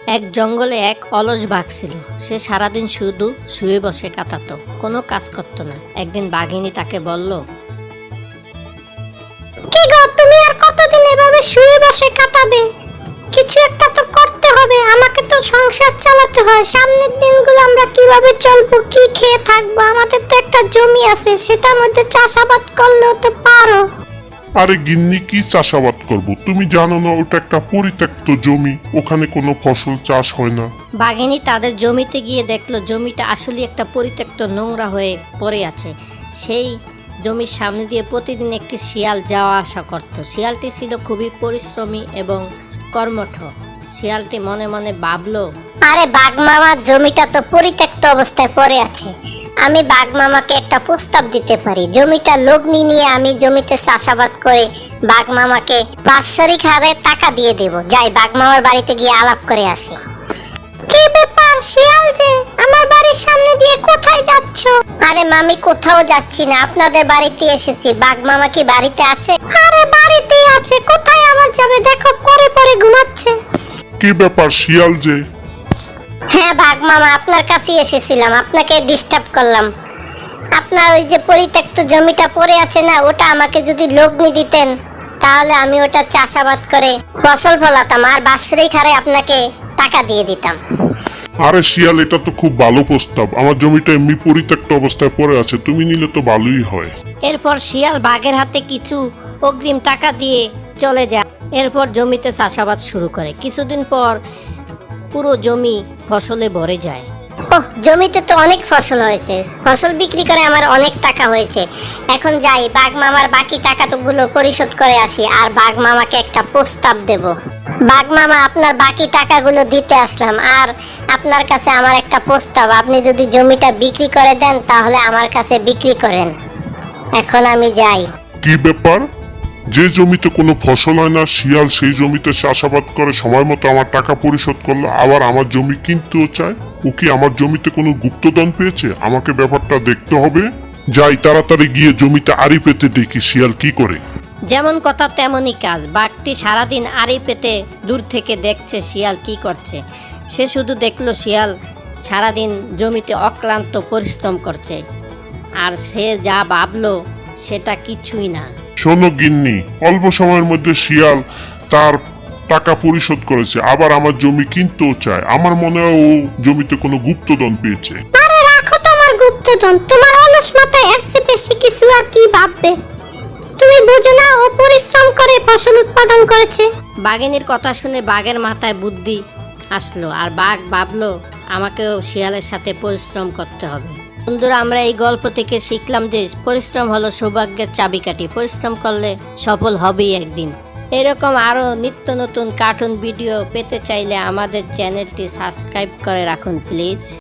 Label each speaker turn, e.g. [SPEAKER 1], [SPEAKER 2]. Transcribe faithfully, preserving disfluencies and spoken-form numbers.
[SPEAKER 1] এক জঙ্গলে এক অলস বাঘ ছিল। সে সারাদিন শুধু শুয়ে বসে কাটাতো, কোনো কাজ করতো না। একদিন বাঘিনী তাকে বলল,
[SPEAKER 2] কি গো, তুমি আর কতদিন এভাবে শুয়ে বসে কাটাবে? কিছু একটা তো করতে হবে, আমাকে তো সংসার চালাতে হয়। সামনের দিনগুলো আমরা কিভাবে চলবো, কি খেয়ে থাকবো? আমাদের তো একটা জমি আছে, সেটার মধ্যে চাষাবাদ করলেও তো পারো।
[SPEAKER 3] আরে গিন্নি, কি চাষাবাদ করব? তুমি জানো না ওটা একটা পরিত্যক্ত জমি, ওখানে কোনো ফসল চাষ হয় না।
[SPEAKER 1] বাঘিনী তাদের জমিতে গিয়ে দেখলো জমিটা আসলে একটা পরিত্যক্ত নোংরা হয়ে পড়ে আছে। সেই জমির সামনে দিয়ে প্রতিদিন একটি শিয়াল যাওয়া আসা করত। শিয়ালটি ছিল খুবই পরিশ্রমী এবং কর্মঠ। শিয়ালটি মনে মনে ভাবলো,
[SPEAKER 2] আরে বাঘ মামার জমিটা তো পরিত্যক্ত অবস্থায় পড়ে আছে, আমি বাঘ মামাকে একটা প্রস্তাব দিতে পারি। জমিটা লগ্নি নিয়ে আমি জমিতে চাষাবাদ করে বাঘ মামাকে বাৎসরিক হারে টাকা দিয়ে দেব। যাই বাঘ মামার বাড়িতে গিয়ে আলাপ করে আসি। কি ব্যাপার শিয়াল যে, আমার বাড়ির সামনে দিয়ে কোথায় যাচ্ছ? আরে মামি, কোথাও যাচ্ছি না, আপনাদের বাড়িতে এসেছি। বাঘ মামা কি বাড়িতে আছে? আরে বাড়িতেই আছে, কোথায় আবার যাবে? দেখো পরে পরে ঘুমাচ্ছে।
[SPEAKER 3] কি ব্যাপার শিয়াল যে?
[SPEAKER 2] হ্যাঁ বাঘ মামা, আপনার কাছেই এসেছিলাম, আপনাকে ডিস্টার্ব করলাম। আপনার ওই যে পরিত্যক্ত জমিটা পড়ে আছে না, ওটা আমাকে যদি লগ্নি দিতেন তাহলে আমি ওটা চাষাবাদ করে ফসল ফলাতাম আর বাৎসরিক হারে আপনাকে টাকা দিয়ে দিতাম।
[SPEAKER 3] আরে শিয়াল, এটা তো খুব ভালো প্রস্তাব। আমার জমিটা এমনি পরিত্যক্ত অবস্থায় পড়ে আছে, তুমি নিলে তো ভালোই হয়।
[SPEAKER 1] এরপর শিয়াল বাঘের হাতে কিছু অগ্রিম টাকা দিয়ে চলে যায়। এরপর জমিতে চাষাবাদ শুরু করে। কিছুদিন পর পুরো জমি ফসলে ভরে যায়।
[SPEAKER 2] ওহ, জমিতে তো অনেক ফসল হয়েছে, ফসল বিক্রি করে আমার অনেক টাকা হয়েছে। এখন যাই বাঘ মামার বাকি টাকাগুলো পরিশোধ করে আসি আর বাঘ মামাকে একটা প্রস্তাব দেব। বাঘ মামা, আপনার বাকি টাকাগুলো দিতে আসলাম আর আপনার কাছে আমার একটা প্রস্তাব। আপনি যদি জমিটা বিক্রি করে দেন তাহলে আমার কাছে বিক্রি করেন। এখন আমি যাই।
[SPEAKER 3] কি ব্যাপার? যে জমিতে কোনো ফসল হয় না, শিয়াল সেই জমিতে চাষাবাদ করে সময় মতো আমার টাকা পরিশোধ করলো, আবার আমার জমি কিনতেও চায়। ও কি আমার জমিতে কোনো গুপ্তধন পেয়েছে? আমাকে ব্যাপারটা দেখতে হবে। যাই তাড়াতাড়ি গিয়ে জমিতে আড়ি পেতে দেখি শিয়াল কি করে।
[SPEAKER 1] যেমন কথা তেমনই কাজ। বাঘটি সারাদিন আড়ি পেতে দূর থেকে দেখছে শিয়াল কি করছে। সে শুধু দেখলো শিয়াল সারাদিন জমিতে অক্লান্ত পরিশ্রম করছে, আর সে যা ভাবলো সেটা কিছুই না।
[SPEAKER 3] শোনো গিন্নি, অল্প সময়ের মধ্যে শিয়াল তার টাকা পরিশোধ করেছে, আবার আমার জমি কিনতেও চায়। আমার মনে হয় ও জমিতে কোনো গুপ্তধন পেয়েছে।
[SPEAKER 2] আরে রাখো তোমার গুপ্তধন, তোমার অলস মাথায় এর চেয়ে বেশি কিছু আর কি ভাববে? তুমি বুঝো না ও পরিশ্রম করে ফসল উৎপাদন করেছে।
[SPEAKER 1] বাঘিনীর কথা শুনে বাঘের মাথায় বুদ্ধি আসলো, আর বাঘ ভাবলো আমাকেও শিয়ালের সাথে পরিশ্রম করতে হবে। বন্ধুরা, আমরা এই গল্প থেকে শিখলাম যে পরিশ্রম হলো সৌভাগ্যের চাবিকাঠি। পরিশ্রম করলে সফল হবেই একদিন। এরকম আরও নিত্য নতুন কার্টুন ভিডিও পেতে চাইলে আমাদের চ্যানেলটি সাবস্ক্রাইব করে রাখুন প্লিজ।